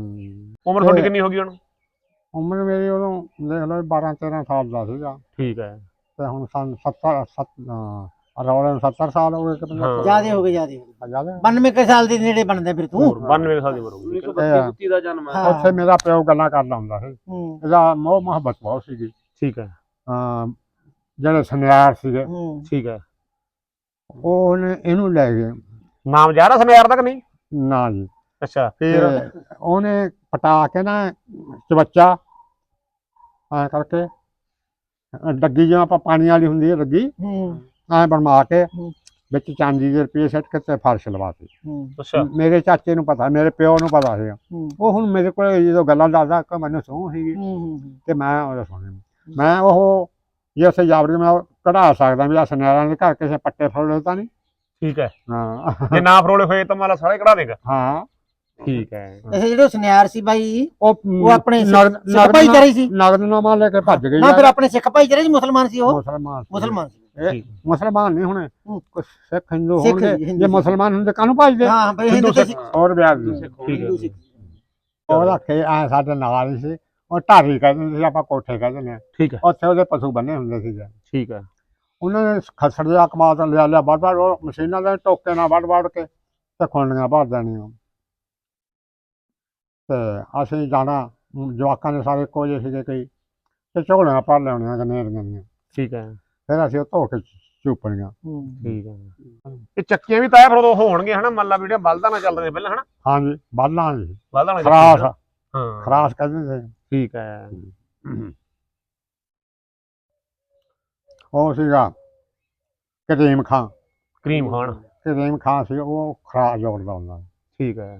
S2: ਉਮਰ ਤੁਹਾਡੀ ਕਿੰਨੀ ਹੋ ਗਈ ਹੁਣ?
S1: ਉਮਰ ਮੇਰੀ ਉਦੋਂ ਦੇਖ ਲਓ ਬਾਰਾਂ ਤੇਰਾਂ ਸਾਲ ਦਾ ਸੀਗਾ,
S2: ਠੀਕ ਹੈ।
S1: ਤੇ ਹੁਣ ਸਨ ਸੱਤਰ ਸੱਤ ਰੌਲੇ ਨੂੰ ਸੱਤਰ ਸਾਲ ਹੋ ਗਏ ਕਿ
S2: ਹਾਂ।
S3: ਜ਼ਿਆਦੇ ਹੋ ਗਏ ਜ਼ਿਆਦੇ ਹੋ ਗਏ।
S1: ਜ਼ਿਆਦਾ।
S3: ਬਾਨਵੇਂ ਕੁ ਸਾਲ ਦੇ ਨੇੜੇ ਬਣਦੇ ਫਿਰ ਤੂੰ।
S2: ਬਾਨਵੇਂ ਸਾਲ ਦੀ ਉਮਰ ਹੋ
S5: ਉੱਨੀ
S2: ਗਈ।
S5: ਸੌ ਬੱਤੀ ਬੁੱਤੀ ਦਾ ਜਨਮ ਹੈ।
S3: ਹਾਂ।
S1: ਉੱਥੇ ਮੇਰਾ ਪਿਓ ਗੱਲਾਂ ਕਰਦਾ ਹੁੰਦਾ ਸੀ,
S3: ਹੂੰ
S1: ਇਹਦਾ ਮੋਹ ਮੁਹੱਬਤ ਬਹੁਤ ਸੀਗੀ।
S2: ਠੀਕ ਹੈ।
S1: ਅਹ ਜਿਹੜੇ ਸੁਨਿਆਰ ਸੀਗੇ
S3: ਹੂੰ
S2: ਠੀਕ ਹੈ।
S1: ਉਹ ਉਹਨੇ ਇਹਨੂੰ ਲੈ ਗਏ।
S2: ਨਾਮ ਜਾ ਰਿਹਾ ਸਮਿਆਰ ਤੱਕ ਨਹੀਂ?
S1: ਨਾ ਜੀ,
S2: ਅੱਛਾ। ਫਿਰ
S1: ਤੇ ਉਹਨੇ ਪਟਾ ਕੇ ਨਾ ਚਵੱਚਾ ਐ ਕਰਕੇ, ਅਹ ਡੱਗੀ ਜਿਵੇਂ ਆਪਾਂ ਪਾਣੀ ਵਾਲੀ ਹੁੰਦੀ ਹੈ ਡੱਗੀ,
S3: ਹੂੰ
S1: ਐ ਬਣਵਾ ਕੇ
S3: ਹੂੰ।
S1: ਵਿੱਚ ਚਾਂਦੀ ਦੇ ਰੁਪਏ ਸੱਟ ਕੇ ਤੇ ਫਰਸ਼ ਲਵਾਤੀ।
S3: ਹੂੰ
S2: ਅੱਛਾ।
S1: ਮੇਰੇ ਚਾਚੇ ਨੂੰ ਪਤਾ, ਮੇਰੇ ਪਿਓ ਨੂੰ ਪਤਾ ਸੀ।
S3: ਹੂੰ
S1: ਉਹ ਹੁਣ ਮੇਰੇ ਕੋਲ ਜਦੋਂ ਗੱਲਾਂ ਦੱਸਦਾ ਕਿ ਮੈਨੂੰ ਸਹੁੰ ਸੀਗੀ,
S3: ਹੂੰ
S1: ਤੇ ਮੈਂ ਉਹਦਾ ਸੁਣੀ, ਮੈਂ ਉਹ ਜੇ ਉੱਥੇ ਜਾਵੜੀ ਮੈਂ ਉਹ ਕਢਾ ਸਕਦਾ ਵੀ ਆ ਸੁਨਿਆਰਾਂ ਦੇ ਘਰ ਕਿਸੇ ਪੱਟੇ ਫਰੋਲੇ ਤਾਂ ਨਹੀਂ।
S2: ਠੀਕ ਹੈ।
S1: ਹਾਂ
S2: ਜੇ ਨਾ ਫਰੋਲੇ ਹੋਏ ਤਾਂ ਮਾਲਾ ਸਾਰੇ ਕਢਾ ਦੇਗਾ।
S1: ਹਾਂ
S2: ਠੀਕ ਹੈ
S3: ਇਹ ਜਿਹੜੇ ਸੁਨਿਆਰ ਸੀ ਬਾਈ
S1: ਉਹ
S3: ਉਹ ਆਪਣੇ ਸਿੱਖ
S1: ਨਗਦ-
S3: ਸਿੱਖ
S1: ਨਗਦ
S3: ਭਾਈਚਾਰੇ ਸੀ
S1: ਨਗਦਨਾਮਾ ਲੈ ਕੇ ਭੱਜ ਗਏ
S3: ਨਾ
S1: ਯਾਰ।
S3: ਫਿਰ ਆਪਣੇ ਸਿੱਖ ਭਾਈਚਾਰੇ ਸੀ ਮੁਸਲਮਾਨ ਸੀ ਉਹ
S1: ਮੁਸਲਮਾਨ ਸੀ।
S3: ਮੁਸਲਮਾਨ ਸੀ
S1: ਇਹ
S2: ਠੀਕ।
S1: ਮੁਸਲਮਾਨ ਨਹੀਂ ਹੋਣੇ
S3: ਹੂੰ।
S1: ਕੁਛ ਸਿੱਖ ਹਿੰਦੂ
S3: ਸਿੱਖ
S1: ਹੋਣਗੇ
S3: ਜੀ, ਹਿੰਦੂ
S1: ਜੇ
S3: ਸੀ।
S1: ਮੁਸਲਮਾਨ ਹੁੰਦੇ ਕਾਹਨੂੰ ਭੱਜਦੇ
S3: ਹਾਂ ਬਈ ਹਿੰਦੂ
S2: ਹਿੰਦੂ
S3: ਸੀ
S1: ਹੋਰ ਵਿਆਜ ਦੀ
S5: ਸਿੱਖ
S2: ਠੀਕ ਹੈ।
S3: ਹਿੰਦੂ ਸੀ
S1: ਉਹ ਰੱਖੇ ਐ ਸਾਡੇ ਨਾਲ ਹੀ ਸੀ ਉਹ ਢਾਰੀ ਕਹਿੰਦੇ ਸੀ ਆਪਾਂ ਕੋਠੇ ਕਹਿੰਦੇ ਨੇ
S2: ਠੀਕ ਹੈ
S1: ਉੱਥੇ ਉਹਦੇ ਪਸ਼ੂ ਬੰਨੇ ਹੁੰਦੇ ਸੀ
S2: ਠੀਕ ਹੈ
S1: ਉਹਨਾਂ ਨੇ ਖਸੜ ਜਿਹਾ ਕਮਾ ਤੋਂ ਲਿਆ ਲਿਆ ਵੱਢ ਵੱਢ ਉਹ ਮਸ਼ੀਨਾਂ ਦੇ ਟੋਕੇ ਨਾਲ ਵੱਢ ਵੱਢ ਕੇ ਤੇ ਖੁੰਡੀਆਂ ਭਰ ਦੇਣੀਆਂ ਤੇ ਅਸੀਂ ਜਾਣਾ ਜਵਾਕਾਂ ਦੇ ਸਾਰੇ ਇੱਕੋ ਜਿਹੇ ਸੀਗੇ ਕਈ ਤੇ ਝੋਲੀਆਂ ਭਰ ਲਿਆਉਣੀਆਂ ਗਨੇਰੀਆਂ ਦੀਆਂ
S2: ਠੀਕ ਹੈ
S1: ਫਿਰ ਅਸੀਂ ਉਹ ਧੋ ਕੇ ਚੂਪਣੀਆਂ
S3: ਹੂੰ।
S2: ਠੀਕ ਹੈ ਇਹ ਚੱਕੀਆਂ ਵੀ ਤਾਇਆ ਫਿਰ ਉਦੋਂ ਹੋਣਗੇ ਹਨਾ ਮੰਨ ਲਾ ਵੀ ਜਿਹੜੀਆਂ ਬਲਦਾਂ ਨਾਲ ਚੱਲਦੇ ਪਹਿਲਾਂ ਹਨਾ
S1: ਹਾਂਜੀ ਬਾਲਾਂ ਜੀ
S2: ਬਲਦਾਂ ਨਾਲ
S1: ਖਰਾਸ
S2: ਹਾਂ
S1: ਖਰਾਸ ਕਹਿੰਦੇ ਸੀ
S2: ਠੀਕ ਹੈ
S1: ਉਹ ਸੀਗਾ ਕਰੀਮ ਖਾਂ
S2: ਕਰੀਮ ਖਾਨ
S1: ਕਰੀਮ ਖਾਂ ਸੀ ਉਹ ਖਰਾਸ ਜੋੜਦਾ ਹੁੰਦਾ ਸੀ।
S2: ਠੀਕ ਹੈ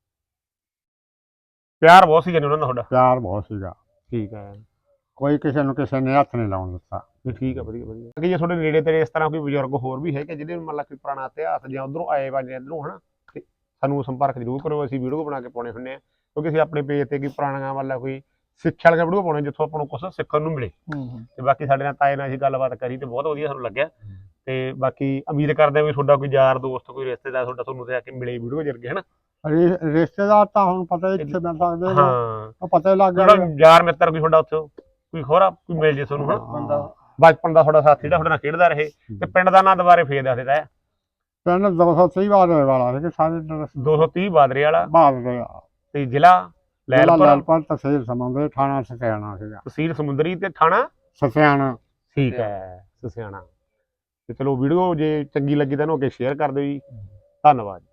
S2: ਪਿਆਰ ਬਹੁਤ ਸੀ ਜਨ ਉਹਨਾਂ ਦਾ ਤੁਹਾਡਾ
S1: ਪਿਆਰ ਬਹੁਤ ਸੀਗਾ
S2: ਠੀਕ ਹੈ
S1: ਕੋਈ ਕਿਸੇ ਨੂੰ ਕਿਸੇ ਨੇ ਹੱਥ ਨਹੀਂ ਲਾਉਣ ਦਿੱਤਾ
S2: ਵੀ ਠੀਕ ਹੈ ਵਧੀਆ ਵਧੀਆ ਕਿ ਜੇ ਤੁਹਾਡੇ ਨੇੜੇ ਤੇਰੇ ਇਸ ਤਰ੍ਹਾਂ ਕੋਈ ਬਜ਼ੁਰਗ ਹੋਰ ਵੀ ਹੈ ਕਿ ਜਿਹੜੇ ਮੰਨ ਲਾ ਕੋਈ ਪੁਰਾਣਾ ਇਤਿਹਾਸ ਜਾਂ ਉਧਰੋਂ ਆਏ ਵਾ ਜਾਂ ਇੱਧਰੋਂ ਹਨਾ ਤੇ ਸਾਨੂੰ ਸੰਪਰਕ ਜ਼ਰੂਰ ਕਰੋ ਅਸੀਂ ਵੀਡੀਓ ਬਣਾ ਕੇ ਪਾਉਣੇ ਹੁੰਦੇ ਆ ਕਿਉਂਕਿ ਅਸੀਂ ਆਪਣੇ ਪੇਜ ਤੇ ਕੋਈ ਪੁਰਾਣੀਆਂ ਵਾਲਾ ਕੋਈ ਸਿੱਖਿਆ ਵਾਲੀਆਂ ਵੀਡੀਓ ਪਾਉਣੇ ਜਿੱਥੋਂ ਆਪਾਂ ਨੂੰ ਕੁਝ ਸਿੱਖਣ ਨੂੰ ਮਿਲੇ
S3: ਹੂੰ ਹੂੰ।
S2: ਤੇ ਬਾਕੀ ਸਾਡੇ ਨਾਲ ਤਾਏ ਨਾਲ ਅਸੀਂ ਗੱਲਬਾਤ ਕਰੀ ਤੇ ਬਹੁਤ ਵਧੀਆ ਸਾਨੂੰ ਲੱਗਿਆ ਤੇ ਬਾਕੀ ਉਮੀਦ ਕਰਦੇ ਆ ਵੀ ਤੁਹਾਡਾ ਕੋਈ ਯਾਰ ਦੋਸਤ ਕੋਈ ਰਿਸ਼ਤੇਦਾਰ ਤੁਹਾਡਾ ਤੁਹਾਨੂੰ ਤੇ ਆ ਕੇ ਮਿਲੇ ਵੀਡੀਓ ਜਰਗੇ ਹਨਾ
S1: ਰਿ- ਰਿਸ਼ਤੇਦਾਰ ਤਾਂ ਹੁਣ ਪਤਾ ਇੱਥੇ ਮਿਲ ਸਕਦੇ ਨੇ
S2: ਹਾਂ
S1: ਉਹ ਪਤਾ ਹੀ ਲੱਗ ਗਿਆ
S2: ਜਿਹੜਾ ਯਾਰ ਮਿੱਤਰ ਕੋਈ ਤੁਹਾਡਾ ਉੱਥੇ ਕੋਈ ਹੋਰਾ ਕੋਈ ਮਿਲ ਜੇ ਤੁਹਾਨੂੰ ਹਨਾ
S1: ਬੰਦਾ
S2: ਬਚਪਨ ਦਾ ਤੁਹਾਡਾ ਸਾਥੀ ਜਿਹੜਾ ਤੁਹਾਡੇ ਨਾਲ ਖੇਡਦਾ ਰਹੇ ਤੇ ਪਿੰਡ ਦਾ ਨਾਂ ਦੁਬਾਰੇ ਫੇਰ ਦੱਸ ਦਿੱਤਾ ਹੈ
S1: ਪਿੰਡ ਦੋ ਸੌ ਤੀਹ ਵਾਰ ਵਾਲਾ ਸੀ ਕਿ ਸਾਰੇ
S2: ਦੋ ਸੌ ਤੀਹ ਬਾਦਰੇ ਵਾਲਾ
S1: ਬਾਦ ਦੇ
S2: ਤੇ ਜ਼ਿਲ੍ਹਾ ਲੈਲਪੁਰ
S1: ਲੈਲਪੁਰ ਤਹਿਸੀਲ ਸਮੁੰਦਰੀ ਥਾਣਾ ਸਸਿਆਣਾ ਸੀਗਾ
S2: ਤਹਿਸੀਲ ਸਮੁੰਦਰੀ ਤੇ ਥਾਣਾ
S1: ਸਸਿਆਣਾ
S2: ਠੀਕ ਹੈ ਸਸਿਆਣਾ ਤੇ ਚਲੋ ਵੀਡੀਓ ਜੇ ਚੰਗੀ ਲੱਗੀ ਤਾਂ ਇਹਨੂੰ ਅੱਗੇ ਸ਼ੇਅਰ ਕਰ ਦਿਓ ਜੀ ਧੰਨਵਾਦ।